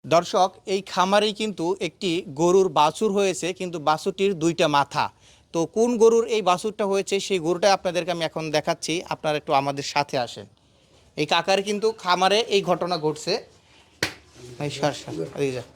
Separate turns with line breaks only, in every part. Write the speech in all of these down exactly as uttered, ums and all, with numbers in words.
দর্শক, এই খামারেই কিন্তু একটি গরুর বাছুর হয়েছে, কিন্তু বাছুরটির দুইটা মাথা। তো কোন গরুর এই বাছুরটা হয়েছে সেই গরুটা আপনাদেরকে আমি এখন দেখাচ্ছি, আপনারা একটু আমাদের সাথে আসেন। এই কাকার কিন্তু খামারে এই ঘটনা ঘটছে। এই সর সর, এদিকে যা।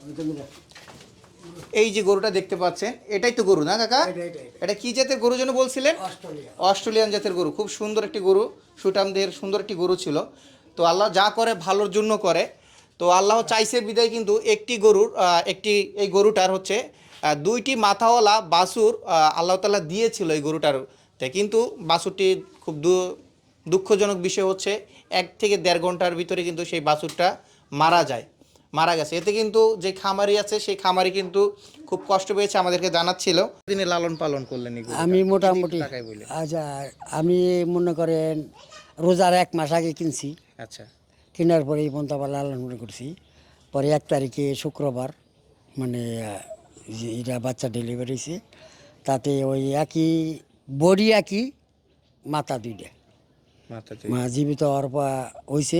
এই যে গরুটা দেখতে পাচ্ছেন, এটাই তো গরু না কাকা? এটা কি জাতের গরু যেন বলছিলেন? অস্ট্রেলিয়ান জাতের গরু। খুব সুন্দর একটি গরু, সুঠামদের সুন্দর একটি গরু ছিল। তো আল্লাহ যা করে ভালোর জন্য করে। তো আল্লাহ চাইছে বিদায় কিন্তু একটি গরুর আহ, একটি এই গরুটার হচ্ছে আহ, দুইটি মাথাওয়ালা বাছুর আহ, আল্লাহ তাআলা দিয়েছিল এই গরুটার। কিন্তু বাছুরটি খুব দু- দুঃখজনক বিষয় হচ্ছে এক থেকে দেড় ঘন্টার ভিতরে কিন্তু সেই বাছুরটা মারা যায়, মারা গেছে। এতে কিন্তু যে খামারি আছে সেই খামারি কিন্তু খুব কষ্ট পেয়েছে, আমাদেরকে জানাচ্ছিল। তিনি লালন পালন করলেন এই গরুটা?
আমি
যদি
মোটামুটি
একটু টাকায় বললেন।
আচ্ছা, আমি মনে করেন রোজার এক মাস আগে কিনছি।
আচ্ছা
কেনার পরে এই পর্যন্ত আবার লালন পালন করছি। পরে এক তারিখে শুক্রবার মানে আহ, যে এটা বাচ্চা ডেলিভারি হয়েছে, তাতে ওই একই বডি একই, মাথা দুইটা।
মাথাতে
মা জীবিত হওয়ার পর হয়েছে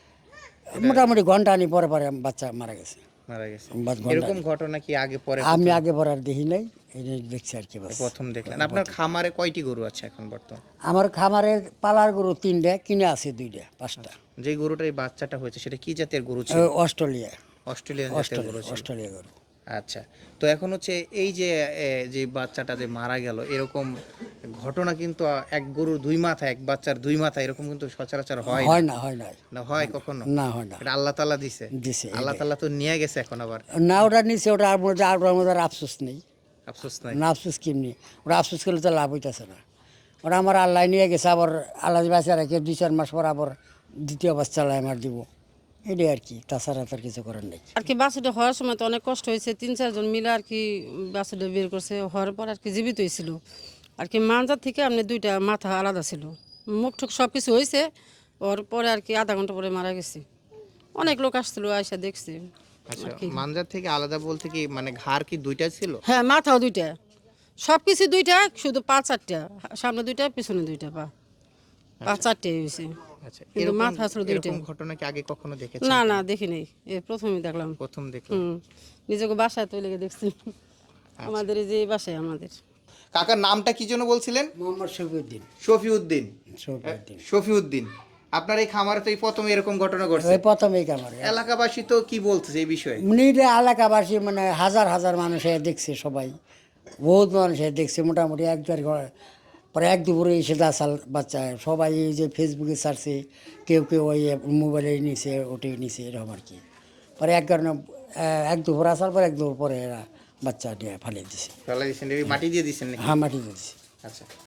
মোটামুটি ঘন্টা আনি পরে পরে বাচ্চা মারা গেছে।
মারা গেছে।
বাস ঘন্টা
এরকম
আনি।
ঘটনা কি আগে পরে
আমি
কোথাও?
আগে পরে আর দেখি নাই, এটা দেখছি আর কি বাস।
প্রথম দেখলেন? আপনার খামারে কয়টি গরু আছে এখন বর্তমান?
আমার খামারের পালার গরু তিনটা, কিনে আছে দুইটা পাঁচটা।
যে গরুটার এই বাচ্চাটা হয়েছে সেটা কি জাতের গরু
ও,
ছিল?
অস্ট্রেলিয়া
অস্ট্রেলিয়ান জাতের গরু
অস্ট্রেলিয়া
ছিল।
অস্ট্রেলিয়া গরু।
আচ্ছা, তো এখন হচ্ছে এই যে এ, যে বাচ্চাটা যে মারা গেল, এরকম ঘটনা কিন্তু এক গরুর দুই মাথা, এক বাচ্চার দুই মাথা, এরকম কিন্তু সচরাচর হয়
হয়
না।
না, হয় না,
না হয় কখনো?
না হয় না।
এটা আল্লাহ তাআলা দিছে।
দিছে
আল্লাহ
এটাই।
তাআলা তো নিয়ে গেছে এখন আবার।
না ওটা নিচে, ওটা আর মধ্যে আর ওটার মধ্যে আর আফসোস নেই।
আফসোস নাই।
না আফসোস কেমনি, ওটা আফসোস করলে তো লাভ হইতেছে না। ওটা আমার আল্লাহ নিয়ে গেছে, আবার আল্লাহ বাচ্চা রেখে দুই চার মাস পর আবার দ্বিতীয় বাচ্চা আল্লাহ আমার দিব, এটাই আর কি। তাছাড়া তার কিছু করার নেই।
আর কি বাছুরটা হওয়ার সময় তো অনেক কষ্ট হয়েছে, তিন চারজন মিলে আর কি বাছুরটা বের করছে, হওয়ার পর আর কি জীবিত হয়েছিল আর কি। মানজার থেকে আপনি দুইটা মাথা আলাদা ছিল, মুখ টুক সব কিছু হয়েছে। ওর পরে আর কি আধা ঘন্টা পরে মারা গেছে। অনেক লোক আসছিল, আয়সা দেখছে।
আচ্ছা, মানজার থেকে আলাদা বলতে কি মানে ঘাড় কি দুইটা ছিল?
হ্যাঁ, মাথাও দুইটা, সব কিছু দুইটা, শুধু পা চারটা, সামনে দুইটা পিছনে দুইটা, পা পা চারটে হয়েছে,
আচ্ছা,
কিন্তু
এরকম
মাথা আসলে দুইটা।
এরকম ঘটনা কি আগে কখনো দেখেছেন?
না না, দেখি নাই, এ প্রথমেই দেখলাম।
প্রথম দেখলাম।
হুম, নিজেকে বাসায় তৈরি দেখছি, আমাদের এই যে বাসায় আমাদের।
কাকার নামটা কি যেন বলছিলেন?
মোহাম্মদ শফিউদ্দিন।
শফিউদ্দিন।
শফিউদ্দিন
শফিউদ্দিন, আপনার এই খামারে তো এই প্রথম এরকম ঘটনা ঘটছে।
ওই প্রথমেই খামারে
এলাকাবাসী তো কি বলতেছে এই বিষয়ে?
নিজে এলাকাবাসী মানে হাজার হাজার মানুষ এ দেখছে, সবাই বহুত মানুষ এ দেখছে। মোটামুটি এক দেড় ঘ- পরে এক দুপুরে এসে দাসাল বাচ্চা সবাই এই যে ফেসবুকে ছাড়ছে, কেউ কেউ ওই মোবাইলে নিছে, ওটি নিছে, এরকম আর কি। পরে এক কারণে আহ, এক দুপুর আসার পর এক দুপুর পরে এরা বাচ্চা নিয়ে ফালিয়ে দিছে।
ফেলা দিয়েছেন, মাটি দিয়ে দিয়েছেন নাকি?
হ্যাঁ, মাটি দিয়েছে।
আচ্ছা।